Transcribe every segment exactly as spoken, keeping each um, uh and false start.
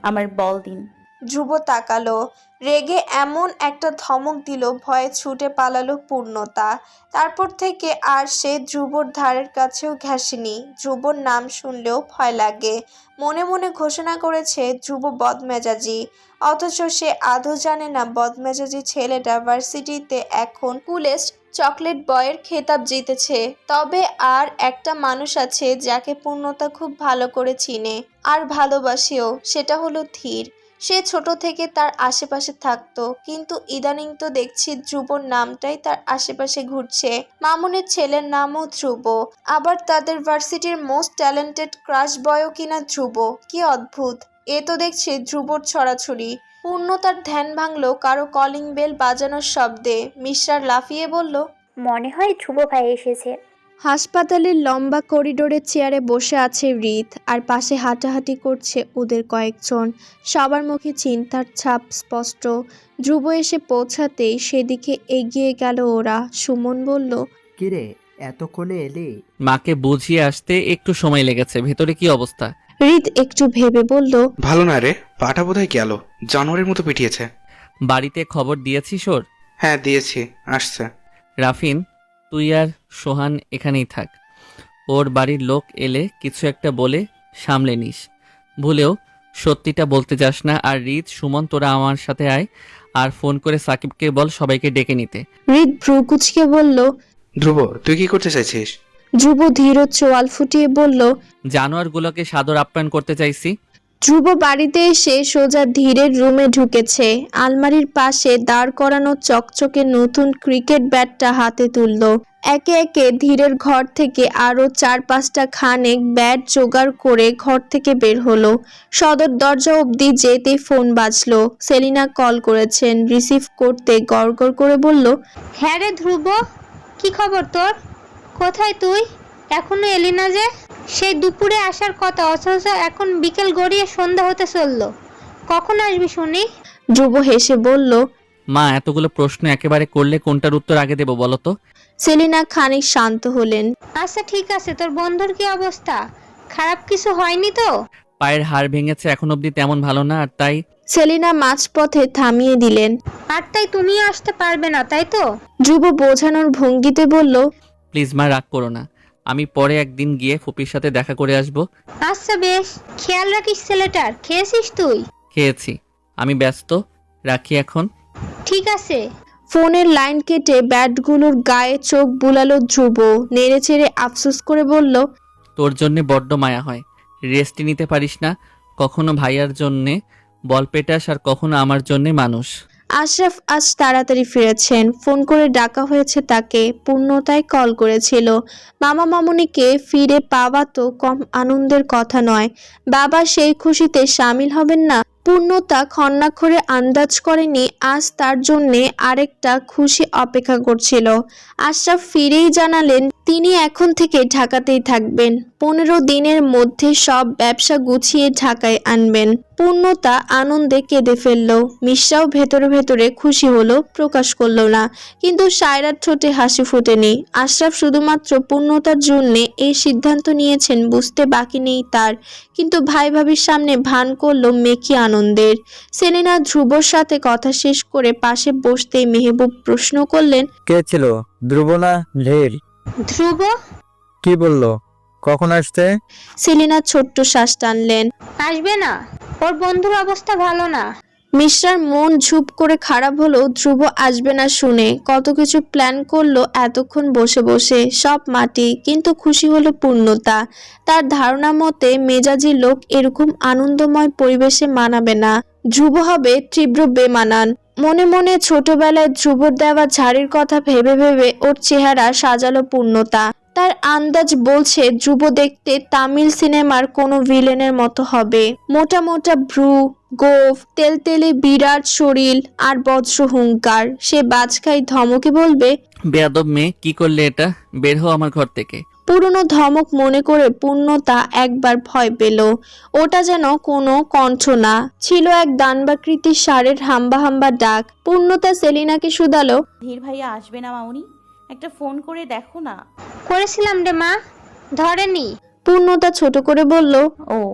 আমার বল দিন। ধ্রুব তাকালো, রেগে এমন একটা ধমক দিল ভয়ে ছুটে পালালো পূর্ণতা। তারপর থেকে আর সে ধ্রুবর ধারের কাছেও ঘেঁষেনি। ধ্রুবর নাম শুনলেও ভয় লাগে। মনে মনে ঘোষণা করেছে ধ্রুব বদমেজাজি, অথচ সে আদৌ জানে না বদমেজাজি ছেলেটা ভার্সিটিতে এখন কুলেস্ট চকলেট বয়ের খেতাব জিতেছে। তবে আর একটা মানুষ আছে যাকে পূর্ণতা খুব ভালো করে চিনে আর ভালোবাসেও, সেটা হলো ধীর। সে ছোট থেকে তার আশেপাশে থাকতো, কিন্তু ইদানিং তো দেখছি ধ্রুবর নামটাই তার আশেপাশে ঘুরছে। মামুনের ছেলের নামও ধ্রুব, আবার তাদের ভার্সিটির মোস্ট ট্যালেন্টেড ক্রাশ বয়ও কিনা ধ্রুব। কি অদ্ভুত! এ তো দেখছি ধ্রুবর ছড়াছড়ি। পূর্ণতার ধ্যান ভাঙলো কারো কলিং বেল বাজানোর শব্দে। মিশ্রার লাফিয়ে বলল, মনে হয় ধ্রুব ভাই এসেছে। হাসপাতালের লম্বা করিডোরের চেয়ারে বসে আছে হৃদ, আর পাশে হাঁটাহাঁটি করছে ওদের কয়েকজন। সবার মুখে চিন্তার ছাপ স্পষ্ট। ধ্রুব এসে পৌঁছাতেই সেদিকে এগিয়ে গেল ওরা। সুমন বলল, কিরে এতক্ষণে এলি? মাকে বুঝিয়ে আসতে একটু সময় লেগেছে। ভেতরে কি অবস্থা? হৃদ একটু ভেবে বলল, ভালো না রে, পাটা বোধহয় গেল, জানোয়ারের মতো পিটিয়েছে। বাড়িতে খবর দিয়েছিস ওর? হ্যাঁ দিয়েছি, আসছে। রাফিন, তুই আর সোহান এখানেই থাক। ওর বাড়ির লোক এলে কিছু একটা বলে সামলে নিস। ভুলেও সত্যিটা বলতে যাস না। আর রিত, সুমন, তোরা আমার সাথে আয়, আর ফোন করে সাকিবকে বল সবাইকে ডেকে নিতে। হৃদ ভ্রু কুচকে বলল, ধ্রুব তুই কি করতে চাইছিস? ধ্রুব ধীর চোয়াল ফুটিয়ে বলল, জানোয়ারগুলোকে সাদর আপ্যায়ন করতে চাইছি। ধ্রুব বাড়িতে এসে সোজা ধীরের রুমে ঢুকেছে। আলমারির পাশে দাঁড় করানো চকচকে নতুন ক্রিকেট ব্যাটটা হাতে তুলল। একে একে ধীরের ঘর থেকে আরও চার পাঁচটা খানেক ব্যাট জোগাড় করে ঘর থেকে বের হলো। সদর দরজা অবধি যেতেই ফোন বাজলো। সেলিনা কল করেছেন। রিসিভ করতে গড়গড় করে বলল, হ্যাঁ রে ধ্রুব, কি খবর তোর? কোথায় তুই? এখনো এলি না যে? সেই দুপুরে আসার কথা, অথচ এখন বিকেল গড়িয়ে সন্ধ্যা হতে চললো। কখন আসবি শুনি? ধ্রুব হেসে বলল, মা, এতগুলো প্রশ্ন একেবারে করলে কোনটার উত্তর আগে দেবো বলো তো? সেলিনা খানিক শান্ত হলেন। আচ্ছা ঠিক আছে, তোর বন্ধুর কি অবস্থা? খারাপ কিছু হয়নি তো? পায়ের হাড় ভেঙেছে, এখন অবধি তেমন ভালো না, আর তাই। সেলিনা মাঝপথে থামিয়ে দিলেন। আর তাই তুমিও আসতে পারবে না, তাই তো? ধ্রুব বোঝানোর ভঙ্গিতে বলল, প্লিজ মা, রাগ করো না। আমি পরে একদিন গিয়ে ফুপির সাথে দেখা করে আসবো। আচ্ছা বেশ, খেয়াল রাখিস ছেলেটার। খেয়েছিস তুই? খেয়েছি। আমি ব্যস্ত, রাখি এখন। ঠিক আছে। ফোনের লাইন কেটে ব্যাটগুলোর গায়ে চোখ বুলালো ধ্রুব। নেড়ে চেড়ে আফসোস করে বলল, তোর জন্যে বড্ড মায়া হয়। রেস্ট নিতে পারিস না। কখনো ভাইয়ার জন্যে বল পেটাস, আর কখনো আমার জন্যে মানুষ। আশরাফ আজ তাড়াতাড়ি ফিরেছেন। ফোন করে ডাকা হয়েছে তাকে। পূর্ণতায় কল করেছিল। মামা মামুনিকে ফিরে পাওয়া তো কম আনন্দের কথা নয়। বাবা সেই খুশিতে সামিল হবেন না? পূর্ণতা খন্নাক্ষরে আন্দাজ করেনি আজ তার জন্যে আরেকটা খুশি অপেক্ষা করছিল। আশরাফ ফিরেই জানালেন তিনি এখন থেকে ঢাকাতেই থাকবেন। পনেরো দিনের মধ্যে সব ব্যবসা গুছিয়ে ঢাকায় আনবেন। পূর্ণতা আনন্দে কেঁদে ফেলল। মিশ্রাও ভেতরে ভেতরে খুশি হলো, প্রকাশ করলো না। কিন্তু সায়রার ঠোঁটে হাসি ফোটেনি। আশরাফ শুধুমাত্র পূর্ণতার জন্যে এই সিদ্ধান্ত নিয়েছেন বুঝতে বাকি নেই তার। কিন্তু ভাই ভাবির সামনে ভান করলো মেকি আনন্দের। সেলিনা ধ্রুবর সাথে কথা শেষ করে পাশে বসতেই মেহবুব প্রশ্ন করলেন, কে ছিল? ধ্রুব না ধীর? ধ্রুব কি বললো? কখন আসতে? সেলিনা ছোট্ট শ্বাস টানলেন। আসবে না, ওর বন্ধুর অবস্থা ভালো না। মিশ্রার মন ঝুপ করে খারাপ হলো ধ্রুব আসবে না শুনে। কত কিছু প্ল্যান করলো এতক্ষণ বসে বসে, সব মাটি। কিন্তু খুশি হলো পূর্ণতা। তার ধারণা মতে মেজাজি লোক এরকম আনন্দময় পরিবেশে মানাবে না। ধ্রুব হবে তীব্র বেমানান। মনে মনে ছোটবেলায় ধ্রুবর দেওয়া ঝাড়ির কথা ভেবে ভেবে ওর চেহারা সাজালো পূর্ণতা। তার আন্দাজ বলছে ধ্রুব দেখতে তামিল সিনেমার কোনো ভিলেনের মতো হবে। মোটা মোটা ভ্রু, গোঁফ, তেলতেলে বিরাট শরীর আর বজ্র হুঙ্কার। সে বাজখাই ধমকে বলবে, বেয়াদব মেয়ে, কি করলে এটা? বের হও আমার ঘর থেকে। পুরনো ধমক মনে করে পূর্ণতা একবার ভয় পেল। ওটা যেন কোনো কণ্ঠ না, ছিল এক দানবাকৃতির ষাঁড়ের হাম্বা হাম্বা ডাক। পূর্ণতা সেলিনাকে শুধালো, ধীর ভাইয়া আসবে না মামুনি? একটা ফোন করে দেখো না। করেছিলাম রে মা, ধরেনি। পূর্ণতা ছোট করে বলল, ও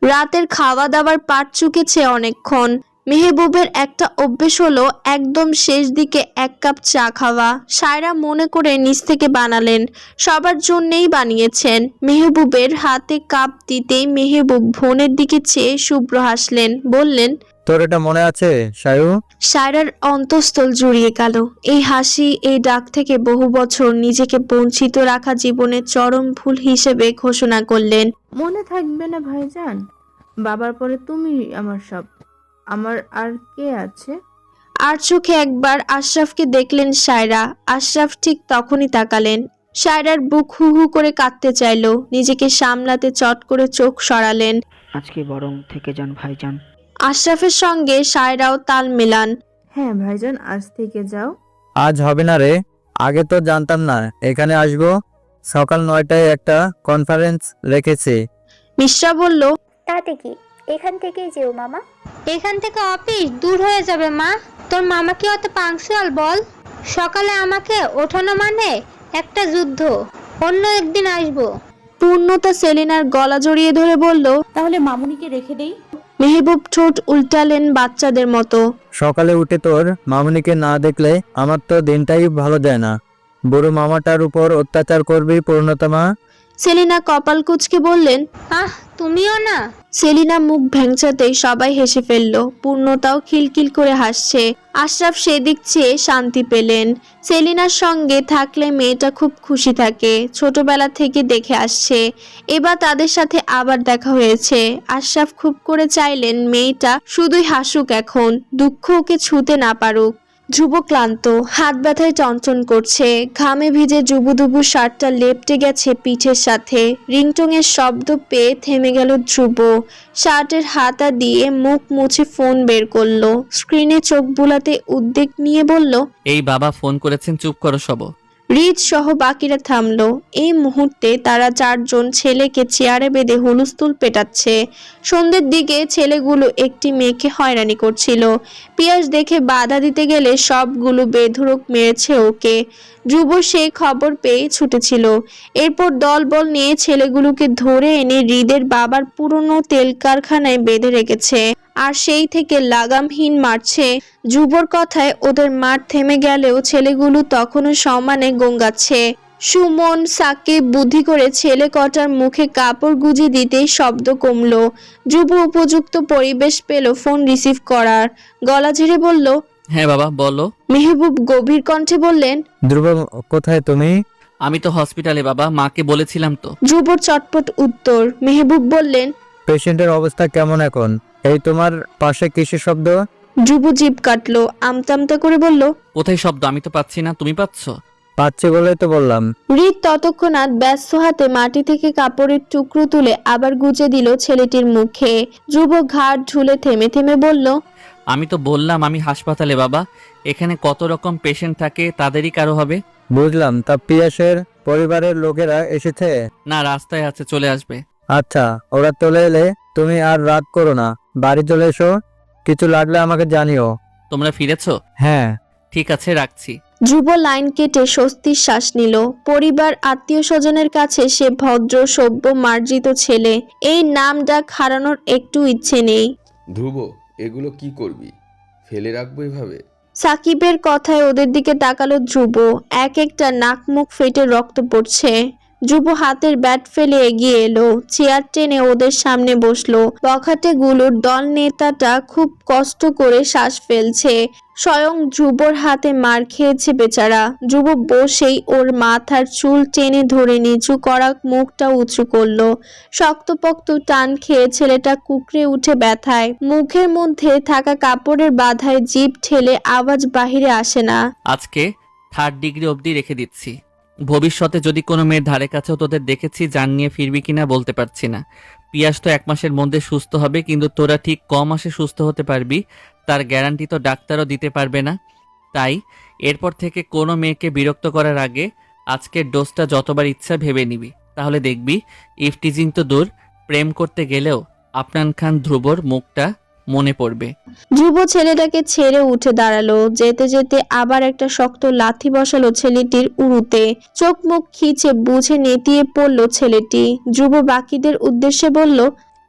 রাতের খাওয়া দাওয়ার পাট চুকেছে অনেকক্ষণ। মেহবুবের একটা অভ্যেস হলো একদম শেষ দিকে এক কাপ চা খাওয়া। সায়রা মনে করে নিচ থেকে বানালেন, সবার জন্যেই বানিয়েছেন। মেহবুবের হাতে কাপ দিতেই মেহবুব বোনের দিকে চেয়ে শুভ্র হাসলেন, বললেন, তোর এটা মনে আছে সায়ু? সায়রার অন্তঃস্থল জুড়িয়ে গেল। এই হাসি, এই ডাক থেকে বহু বছর নিজেকে বঞ্চিত রাখা জীবনের চরম ভুল হিসেবে ঘোষণা করলেন। মনে থাকবে না ভাইজান, বাবার পরে তুমি আমার সব, আমার আর কে আছে? আর চোখে একবার আশরাফকে দেখলেন সায়রা। আশরাফ ঠিক তখনই তাকালেন। সায়রার বুক হু হু করে কাঁদতে চাইল, নিজেকে সামলাতে চট করে চোখ সরালেন। আজকে বরং থেকে যান ভাইজান। আশরাফের সঙ্গে সায়রাও তাল মেলান। হ্যাঁ ভাইজান, আজ থেকে যাও। আজ হবে না রে, আগে তো জানতাম না এখানে আসবো। সকাল নয়টায় একটা কনফারেন্স রেখেছে। মিশ্রা বলল, তাতে কি, এখান থেকেই যেও মামা। এখান থেকে অফিস দূর হয়ে যাবে মা। তোর মামা কি অত পাংচুয়াল বল? সকালে আমাকে ওঠানো মানে একটা যুদ্ধ। অন্য একদিন আসবো। পূর্ণতা সেলিনার গলা জড়িয়ে ধরে বলল। তাহলে মামুনিকে রেখে দেই। মেহবুব ঠোঁট উল্টালেন বাচ্চাদের মতো। সকালে উঠে তোর মামুনিকে না দেখলে আমার তো দিনটাই ভালো যায় না। বুড়ো মামাটার উপর অত্যাচার করবি পূর্ণতা মা। সেলিনা কপাল কুঁচকে বললেন, আহ, তুমিও না। সেলিনা মুখ ভ্যাংচাতেই সবাই হেসে ফেলল। পূর্ণতাও খিলখিল করে হাসছে। আশরাফ সেদিক চেয়ে শান্তি পেলেন। সেলিনার সঙ্গে থাকলে মেয়েটা খুব খুশি থাকে, ছোটবেলা থেকে দেখে আসছে। এবার তাদের সাথে আবার দেখা হয়েছে। আশরাফ খুব করে চাইলেন মেয়েটা শুধুই হাসুক, এখন দুঃখ ওকে ছুঁতে না পারুক। ধ্রুব ক্লান্ত, হাত ব্যথায় চঞ্চন করছে। ঘামে ভিজে জুবুদুবু শার্টটা লেপটে গেছে পিঠের সাথে। রিংটং এর শব্দ পেয়ে থেমে গেল ধ্রুব। শার্টের হাতা দিয়ে মুখ মুছে ফোন বের করলো। স্ক্রিনে চোখ বুলাতে উদ্বেগ নিয়ে বলল, এই বাবা ফোন করেছেন, চুপ করো সব। রিজ সহ বাকিরা থামলো। এই মুহূর্তে তারা চারজন ছেলেকে চেয়ারে বেঁধে হুলস্থুল পেটাচ্ছে। সন্ধ্যের দিকে ছেলেগুলো একটি মেয়েকে হয়রানি করছিল। পিয়াস দেখে বাধা দিতে গেলে সবগুলো বেধড়ক মেরেছে ওকে। ধ্রুব সেই খবর পেয়ে ছুটেছিল। এরপর দলবল নিয়ে ছেলেগুলোকে ধরে এনে হৃদের বাবার পুরনো তেল কারখানায় বেঁধে রেখেছে। আর সেই থেকে লাগামহীন মারছে। ধ্রুবর কথায় ওদের মার থেমে গেলেও ছেলেগুলো তখনও সমানে গঙ্গাচ্ছে। সুমন সাকিব বুদ্ধি করে ছেলে কটার মুখে কাপড় গুজে দিতেই শব্দ কমলো। ধ্রুব উপযুক্ত পরিবেশ পেল ফোন রিসিভ করার। গলা ঝেড়ে বলল, হ্যাঁ বাবা বলো। মেহবুব গভীর কণ্ঠে বললেন, ধ্রুব কোথায় তুমি? আমি তো হসপিটালে বাবা, মাকে বলেছিলাম তো। ধ্রুবর চটপট উত্তর। মেহবুব বললেন, পেশেন্টের অবস্থা কেমন এখন? এই তোমার পাশে কিসের শব্দ? ধ্রুব জিভ কাটলো, আমতামতা করে বলল, কোথায় শব্দ? আমি তো পাচ্ছি না, তুমি পাচ্ছ? পাচ্ছি বলে তো বললাম। হৃদ ততক্ষণাৎ ব্যস্ত হাতে মাটি থেকে কাপড়ের টুকরো তুলে আবার গুজে দিল ছেলেটির মুখে। ধ্রুব ঘাড় ঝুলে থেমে থেমে বলল, আমি তো বললাম আমি হাসপাতালে বাবা, এখানে কত রকম পেশেন্ট থাকে, তাদেরই কারো হবে। বুঝলাম, তা পিয়াসের পরিবারের লোকেরা এসেছে? না, রাস্তায় আছে, চলে আসবে। আচ্ছা, ওরা চলে এলে তুমি আর রাত করো না, বাড়ি চলে এসো। কিছু লাগলে আমাকে জানিও। তোমরা ফিরেছো? হ্যাঁ। ঠিক আছে, রাখছি। ধ্রুব লাইন কেটে স্বস্তির শ্বাস নিল। পরিবার আত্মীয় স্বজনের কাছে সে ভদ্র সভ্য মার্জিত ছেলে। এই নাম ডাক হারানোর একটু ইচ্ছে নেই। ধ্রুব, এগুলো কি করবি? ফেলে রাখবো এভাবে? সাকিবের কথায় ওদের দিকে তাকালো ধ্রুব। এক একটা নাক মুখ ফেটে রক্ত পড়ছে। ধ্রুব হাতের ব্যাট ফেলে এগিয়ে এলো, চেয়ার টেনে ওদের সামনে বসলো। বখাটে গুলোর দল নেতাটা খুব কষ্ট করে শ্বাস ফেলছে। স্বয়ং ধ্রুবর হাতে মার খেয়েছে বেচারা। ধ্রুব বসেই ওর মাথার চুল টেনে ধরে নিচু করা মুখটা উঁচু করলো। শক্তপোক্ত টান খেয়ে ছেলেটা কুকড়ে উঠে ব্যথায়। মুখের মধ্যে থাকা কাপড়ের বাধায় জিভ ঠেলে আওয়াজ বাহিরে আসে না। আজকে থার্ড ডিগ্রি অবধি রেখে দিচ্ছি। ভবিষ্যতে যদি কোনো মেয়ের ধারে কাছেও তোদের দেখেছি, জান নিয়ে ফিরবি কিনা বলতে পারছি না। পিয়াস তো এক মাসের মধ্যে সুস্থ হবে, কিন্তু তোরা ঠিক ক মাসে সুস্থ হতে পারবি তার গ্যারান্টি তো ডাক্তারও দিতে পারবে না। তাই এরপর থেকে কোনো মেয়েকে বিরক্ত করার আগে আজকের ডোজটা যতবার ইচ্ছা ভেবে নিবি, তাহলে দেখবি ইফটিজিং তো দূর, প্রেম করতে গেলেও আফনান খান ধ্রুবর মুখটা মনে পড়বে। ধ্রুব ছেলেটাকে ছেড়ে উঠে দাঁড়ালো। যেতে যেতে আবার একটা শক্ত লাথি বসালো ছেলেটির উরুতে। চোখ মুখ খিচে বুঝে নেতিয়ে পড়লো ছেলেটি। ধ্রুব বাকিদের উদ্দেশ্যে বলল,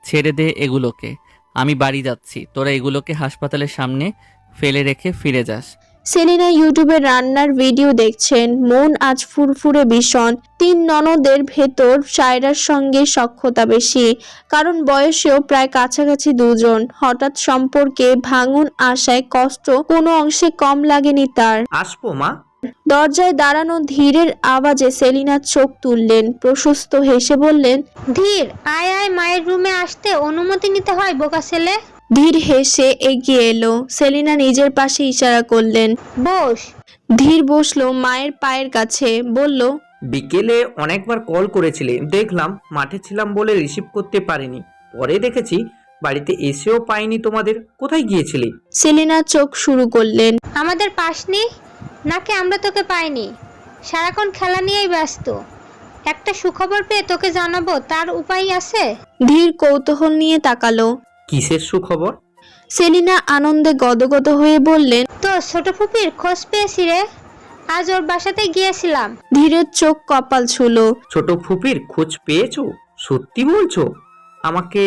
ছেড়ে দে এগুলোকে, আমি বাড়ি যাচ্ছি, তোরা এগুলোকে হাসপাতালের সামনে ফেলে রেখে ফিরে যাস। সেলিনা ইউটিউবে রান্নার ভিডিও দেখছেন। মন আজ ফুরফুরে ভীষণ। তিন ননদের ভেতর সায়রার সঙ্গে সখ্যতা বেশি, কারণ বয়সেও প্রায় কাছাকাছি দুজন। হঠাৎ সম্পর্কে ভাঙন আশায় কষ্ট কোনো অংশে কম লাগেনি তার। আসবো মা। দরজায় দাঁড়ানো ধীরের আওয়াজে সেলিনা চোখ তুললেন, প্রশস্ত হেসে বললেন, ধীর, আয় আয়, মায়ের রুমে আসতে অনুমতি নিতে হয় বোকা ছেলে। ধীর হেসে এগিয়ে এলো। সেলিনা নিজের পাশে ইশারা করলেন, বস। ধীর বসলো মায়ের পায়ের কাছে, বলল, বিকেলে অনেকবার কল করেছিলে, দেখলাম মাঠে ছিলাম বলে রিসিভ করতে পারিনি। পরে দেখেছি বাড়িতে এসেও পাইনি তোমাদের, কোথায় গিয়েছিলে? সেলিনা চোখ শুরু করলেন, আমাদের পাসনি নাকি আমরা তোকে পাইনি? সারাক্ষণ খেলা নিয়েই ব্যস্ত। একটা সুখবর পেয়ে তোকে জানাবো, তার উপায় আছে? ধীর কৌতূহল নিয়ে তাকালো। কিসের সুখবর? সেলিনা আনন্দে গদগদ হয়ে বললেন, তো ছোট ফুপির খোঁজ পেয়েছি রে, আজ ওর বাসাতে গিয়েছিলাম। ধীরের চোখ কপাল ছুলো। ছোট ফুপির খোঁজ পেয়েছো? সত্যি বলছো? আমাকে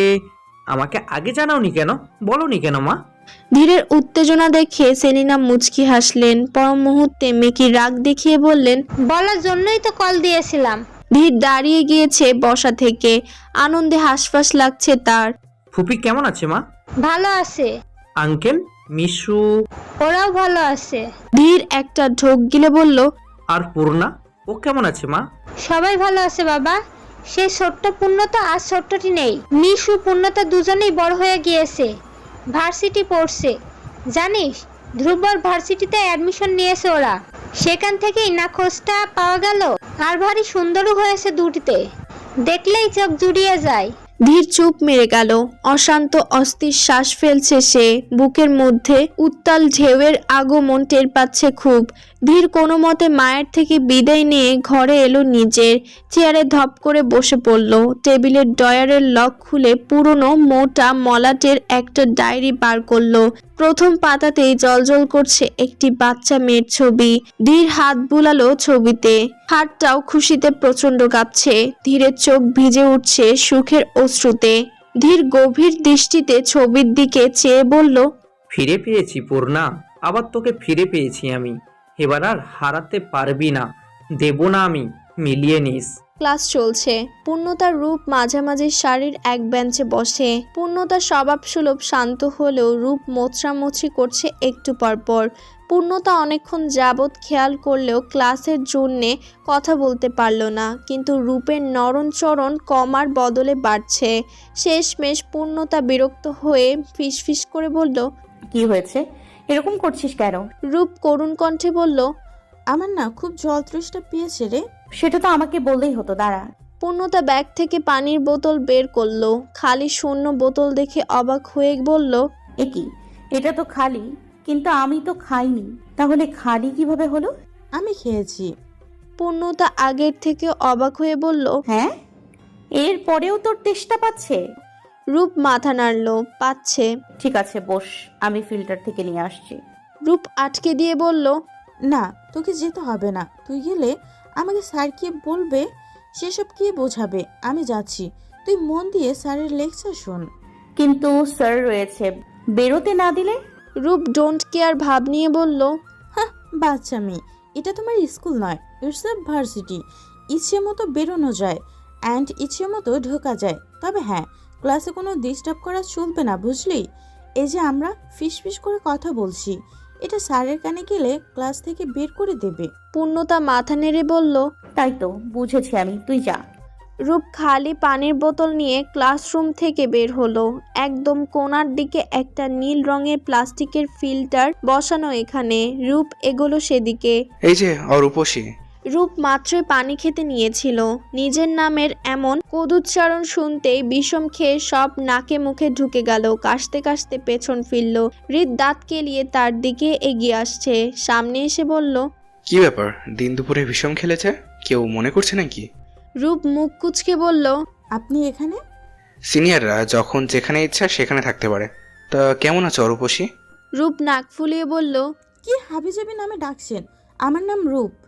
আমাকে আগে জানাওনি কেন? বলনি কেন মা? ধীরের উত্তেজনা দেখে সেলিনা মুচকি হাসলেন। পর মুহূর্তে মেকি রাগ দেখিয়ে বললেন, বলার জন্যই তো কল দিয়েছিলাম। ধীর দাঁড়িয়ে গিয়েছে বসা থেকে, আনন্দে হাসফাস লাগছে তার। ফুপি কেমন আছে মা? ভালো আছে। আঙ্কেল, মিশু? ওরাও ভালো আছে। ধীর একটা ঢোক গিলে বলল, আর পূর্ণা, ও কেমন আছে মা? সবাই ভালো আছে বাবা। সেই ছোট্ট পূর্ণতা আর ছোট্টটি নেই। মিশু পূর্ণতা দুজনেই বড় হয়ে গিয়েছে, ভার্সিটি পড়ছে। জানিস, ধ্রুবর ভার্সিটিতে অ্যাডমিশন নিয়েছে ওরা। সেখান থেকেই না খোঁজটা পাওয়া গেল। আর ভারী সুন্দরও হয়েছে দুটিতে, দেখলেই চোখ জুড়িয়ে যায়। ধীর চুপ মেরে গেল। অশান্ত অস্থির শ্বাস ফেলছে সে। বুকের মধ্যে উত্তাল ঢেউয়ের আগমন টের পাচ্ছে খুব। ধীর কোনো মতে মায়ের থেকে বিদায় নিয়ে ঘরে এলো নিজের। চেয়ারে ধপ করে বসে পড়ল। টেবিলের ডয়ারের লক খুলে পুরনো মোটা মলাটের একটা ডায়েরি বার করলো। প্রথম পাতাতেই জলজল করছে একটি বাচ্চা মেয়ের ছবি। ধীর হাত বুলালো ছবিতে, হাতটাও খুশিতে প্রচন্ড কাঁপছে। ধীরের চোখ ভিজে উঠছে সুখের অশ্রুতে। ধীর গভীর দৃষ্টিতে ছবির দিকে চেয়ে বলল, ফিরে পেয়েছি পূর্ণা, আবার তোকে ফিরে পেয়েছি আমি। এবার আর হারাতে পারবি না, দেব না আমি, মিলিয়ে নিস। ক্লাস চলছে। পূর্ণতার রূপ মাঝামাঝি শাড়ির এক বেঞ্চে বসে। পূর্ণতার স্বভাব সুলভ শান্ত হলেও রূপ মোচড়ামুচড়ি করছে একটু পরপর। পূর্ণতা অনেকক্ষণ যাবৎ খেয়াল করলেও ক্লাসের জন্যে কথা বলতে পারল না, কিন্তু রূপের নরণচরণ কমার বদলে বাড়ছে। শেষমেশ পূর্ণতা বিরক্ত হয়ে ফিসফিস করে বলল, কি হয়েছে, এরকম করছিস কেন? রূপ করুণ কণ্ঠে বলল, আমার না খুব জল তৃষ্ণা পেয়েছে রে। সেটা তো আমাকে বললেই হতো, দাঁড়া। পূর্ণতা ব্যাগ থেকে পানির বোতল বের করলো। খালি শূন্য বোতল দেখে অবাক হয়ে বলল, এ কি, এটা তো খালি। কিন্তু আমি তো খাইনি, তাহলে খালি কিভাবে হলো? আমি খেয়েছি। পূর্ণতা আগের থেকে অবাক হয়ে বলল, হ্যাঁ, এর পরেও তোর তেষ্টা পাচ্ছে? রূপ মাথা নাড়ল, পাচ্ছে। ঠিক আছে বস, আমি ফিল্টার থেকে নিয়ে আসছি। রূপ আটকে দিয়ে বলল, না, তোকে যেতে হবে না। তুই গেলে আমাকে স্যার কি বলবে, সেসব কি বোঝাবে। আমি যাচ্ছি, তুই মন দিয়ে স্যারের লেকচার শোন। কিন্তু স্যার রয়েছে, বেরোতে না দিলে? রূপ ডোন্ট কেয়ার ভাব নিয়ে বলল, হ্যাঁ, বাচ্চা মেয়ে, এটা তোমার স্কুল নয়, ইটস এ ভার্সিটি। ইচ্ছে মতো বেরোনো যায় অ্যান্ড ইচ্ছে মতো ঢোকা যায়। তবে হ্যাঁ, ক্লাসে কোনো ডিস্টার্ব করা চলবে না, বুঝলি? এই যে আমরা ফিস ফিস করে কথা বলছি, এটা স্যারের কানে গেলে ক্লাস থেকে বের করে দেবে। পূর্ণতা মাথা নেড়ে বলল, তাই তো বুঝেছি আমি, তুই যা। রূপ খালি পানির বোতল নিয়ে ক্লাসরুম থেকে বের হলো। একদম কোণার দিকে একটা নীল রঙের প্লাস্টিকের ফিল্টার বসানো। এখানে রূপ এগোলো সেদিকে। এই যে অরূপসী। রূপ মাত্রই পানি খেতে নিয়েছিল। নিজের নামের এমন কদুচ্চারণ শুনতেই বিষম খেয়ে সব নাকে মুখে ঢুকে গেল। কাশতে কাশতে পেছন ফিরল। হৃদ দাঁত কেলিয়ে তার দিকে এগিয়ে আসছে। সামনে এসে বলল, কি ব্যাপার, দিন দুপুরে বিষম খেলেছে, কেউ মনে করছে নাকি? রূপ মুখ কুচকে বলল, আপনি এখানে? সিনিয়ররা যখন যেখানে ইচ্ছা সেখানে থাকতে পারে। তা কেমন আছো অরূপসী? রূপ নাক ফুলিয়ে বলল, কি হাবিজাবি নামে ডাকছেন? আমার নাম রূপ।